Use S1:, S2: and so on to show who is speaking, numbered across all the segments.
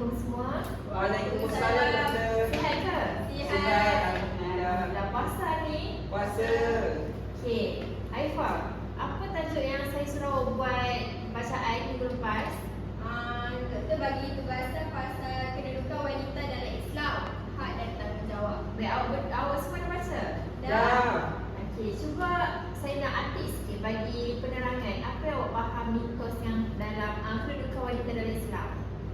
S1: Assalamualaikum semua.
S2: Waalaikumsalam Tante.
S1: Sihat ke?
S2: Sihat, alhamdulillah.
S1: Dah puasa ni?
S2: Puasa.
S1: Okey, Aifah, apa tajuk yang saya suruh buat bacaan minggu lepas?
S3: Doktor bagi tugasan pasal kedudukan wanita dalam Islam, hak dan tanggungjawab.
S1: Baik, awak semua dah baca?
S2: Dah.
S1: Okey, cuba saya nak artik sikit bagi penerangan. Apa yang awak faham mitos yang dalam kedudukan wanita dalam Islam?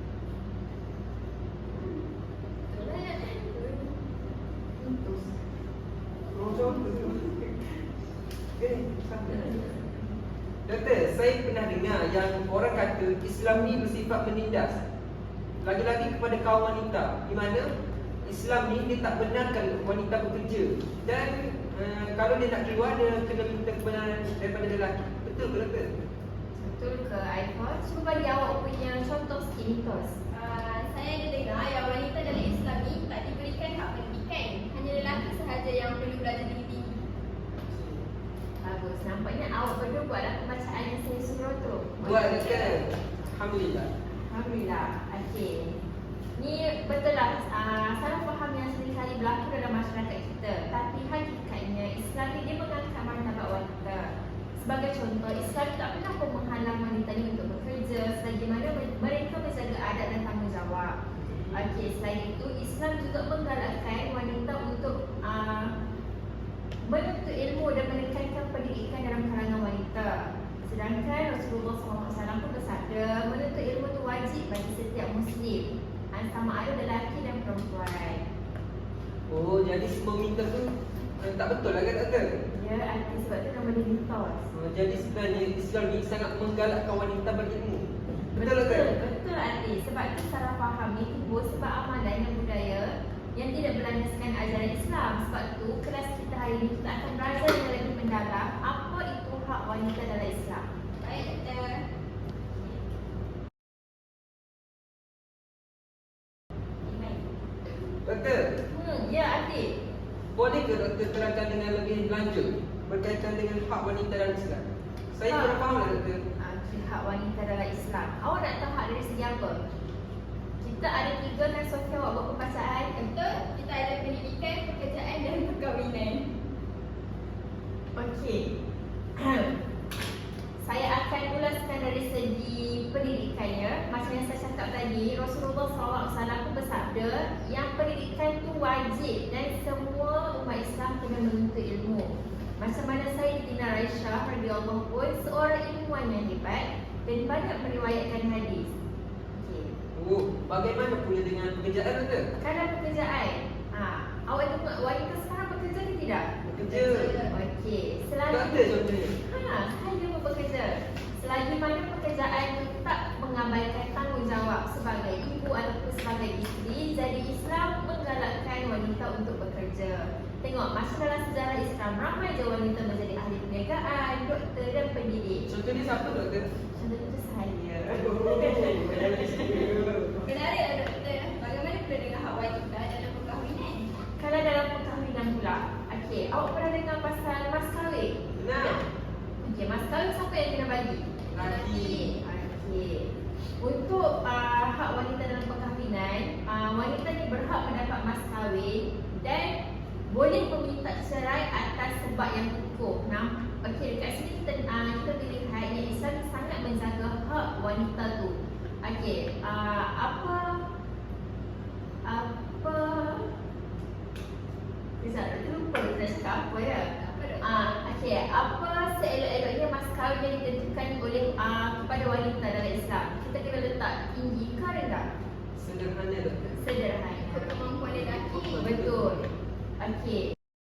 S1: Mitos.
S2: Doktor, saya pernah dengar yang orang kata Islam ni bersifat menindas lagi-lagi kepada kaum wanita, di mana Islam ni dia tak benarkan wanita bekerja dan kalau dia nak keluar dia kena minta kebenaran daripada lelaki. Betul ke doktor?
S1: Betul ke Aifah? Cuba bagi awak punya contoh sikit mitos.
S3: Saya ada dengar yang wanita dalam Islam ni tak diberikan hak pendidikan. Hanya lelaki sahaja yang perlu belajar tinggi-tinggi.
S1: Bagus, nampaknya awak berdua buatlah pembacaan yang saya suruh tu.
S2: Buat doktor. Alhamdulillah.
S1: Alhamdulillah. Okey. Ni betul lah salah faham yang seringkali berlaku dalam masyarakat kita. Tapi hakikatnya Islam ni dia mengangkat martabat wanita. Sebagai contoh, Islam tak pernah pun menghalang wanita ni untuk bekerja selagi mana mereka menjaga adat dan tanggungjawab. Okey, selain itu Islam juga menggalakkan wanita untuk menuntut ilmu dan meningkatkan pendidikan dalam kalangan wanita. Sedangkan Rasulullah SAW pun bersabda, menuntut ilmu itu wajib bagi setiap Muslim, sama ada lelaki dan perempuan.
S2: Oh, jadi semua mitos tu tak betul lah kan doktor?
S1: Ya, arti sebab tu nama dia mitos.
S2: Jadi sebenarnya Islam ni sangat menggalakkan wanita berilmu. Betul doktor?
S1: Betul arti. Sebab tu salah faham ni timbul sebab amalan dan budaya yang tidak berlandaskan ajaran Islam. Sebab tu kelas kita hari ini kita akan belajar dengan lebih mendalam apa itu hak wanita dalam Islam.
S3: Baik, doktor.
S2: Doktor,
S1: Ya arti.
S2: boleh ke doktor terangkan dengan lebih lanjut berkaitan dengan hak wanita dalam Islam? Saya kurang faham lah doktor.
S1: Hak wanita dalam Islam. Awak nak tahu hak dari segi apa? Kita ada 3 kan Sofia, awak buat pembacaan.
S3: Betul, kita ada pendidikan, pekerjaan dan perkahwinan.
S1: Okey. Saya akan ulaskan dari segi pendidikannya. Macam yang saya cakap tadi, Rasulullah SAW pun bersabda yang pendidikan tu wajib dan semua umat Islam kena menuntut ilmu. Macam mana Sayyidina Aisyah radhiyallahu pun seorang ilmuwan yang hebat dan banyak meriwayatkan hadis. Okey.
S2: Oh, bagaimana pula dengan pekerjaan doktor?
S1: Kalau pekerjaan, awak tengok wanita sekarang bekerja ke tidak?
S2: Bekerja.
S1: Okey.
S2: Doktor contohnya.
S1: Saya pun bekerja. Selagi mana pekerjaan itu tak mengabaikan tanggungjawab sebagai ibu ataupun sebagai isteri, jadi Islam menggalakkan wanita untuk bekerja. Tengok, masa dalam sejarah Islam, ramai je wanita menjadi ahli perniagaan, doktor dan pendidik.
S2: Contohnya siapa doktor?
S1: Contohnya saya.
S3: Menarik lah doktor. Bagaimana pula dengan hak wanita dalam perkahwinan?
S1: Kalau dalam perkahwinan pula, okey, awak pernah dengar pasal mas kahwin?
S2: Nah,
S1: Okey, mas kahwin siapa yang kena bagi?
S2: laki.
S1: Okey. Untuk hak wanita dalam perkahwinan, wanita ni berhak mendapat mas kahwin dan boleh meminta cerai atas sebab yang hukum. Okey, dekat sini kita boleh lihat yang Islam sangat menjaga hak wanita tu. Okey, apa Rizal, lupa kita cakap apa ya? Okey, apa seelok-eloknya mas kahwin yang ditentukan oleh kepada wanita dalam Islam? Kita kena letak tinggi ke rendah?
S2: Sederhana doktor.
S1: Sederhana.
S3: Ikut kemampuan lelaki.
S1: Betul. Okey.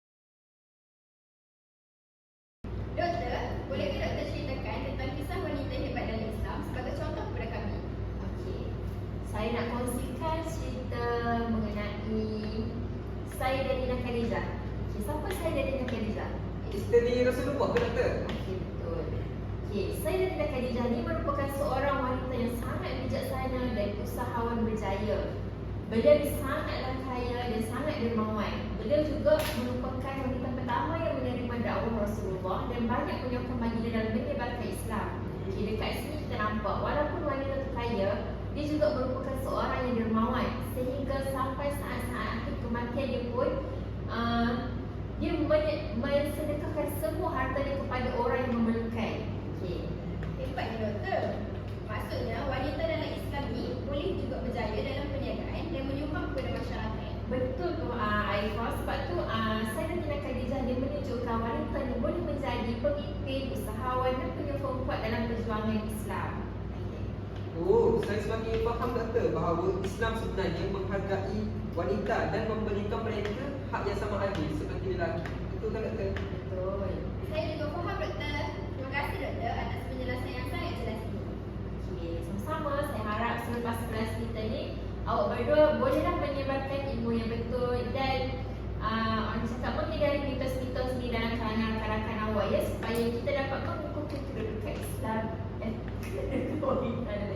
S3: Doktor, bolehkah doktor ceritakan tentang kisah wanita hebat dalam Islam sebagai contoh kepada kami?
S1: Okey. Saya nak kongsikan cerita mengenai Sayyidatina Khadijah. Okey, siapa Sayyidatina Khadijah?
S2: Isteri Rasulullah ke doktor?
S1: Okey, betul. Okey, Sayyidatina Khadijah ni merupakan seorang wanita yang sangat bijaksana dan usahawan berjaya. Beliau sangatlah kaya dan sangat dermawan. Beliau juga merupakan wanita pertama yang menerima dakwah Rasulullah dan banyak menyokong baginda dalam menyebarkan Islam. Okey, dekat sini kita nampak walaupun wanita tu kaya, dia juga merupakan seorang yang dermawan sehingga sampai saat-saat akhir kematian dia pun dia mensedekahkan semua harta dia kepada orang yang memerlukan. Okey.
S3: Hebatnya doktor. Maksudnya wanita dalam Islam ni boleh juga berjaya dalam perniagaan dan menyumbang kepada masyarakat.
S1: Betul tu Aifah, sebab tu Sayyidatina Khadijah dia menunjukkan wanita ni boleh menjadi pemimpin, usahawan dan penyokong kuat dalam perjuangan Islam.
S2: Oh, saya semakin faham doktor bahawa Islam sebenarnya menghargai wanita dan memberikan mereka hak yang sama adil seperti lelaki. Betul kan doktor?
S1: Betul.
S3: Saya juga faham doktor. Terima kasih doktor atas penjelasan yang sangat jelas ini.
S1: Okey, sama-sama. Saya harap selepas kelas kita ni awak berdua bolehlah menyebarkan ilmu yang betul dan orang cakap menghindari mitos-mitos ni dalam kalangan rakan-rakan awak ya, supaya kita dapat mengukuhkan kedudukan Islam dan kedudukan wanita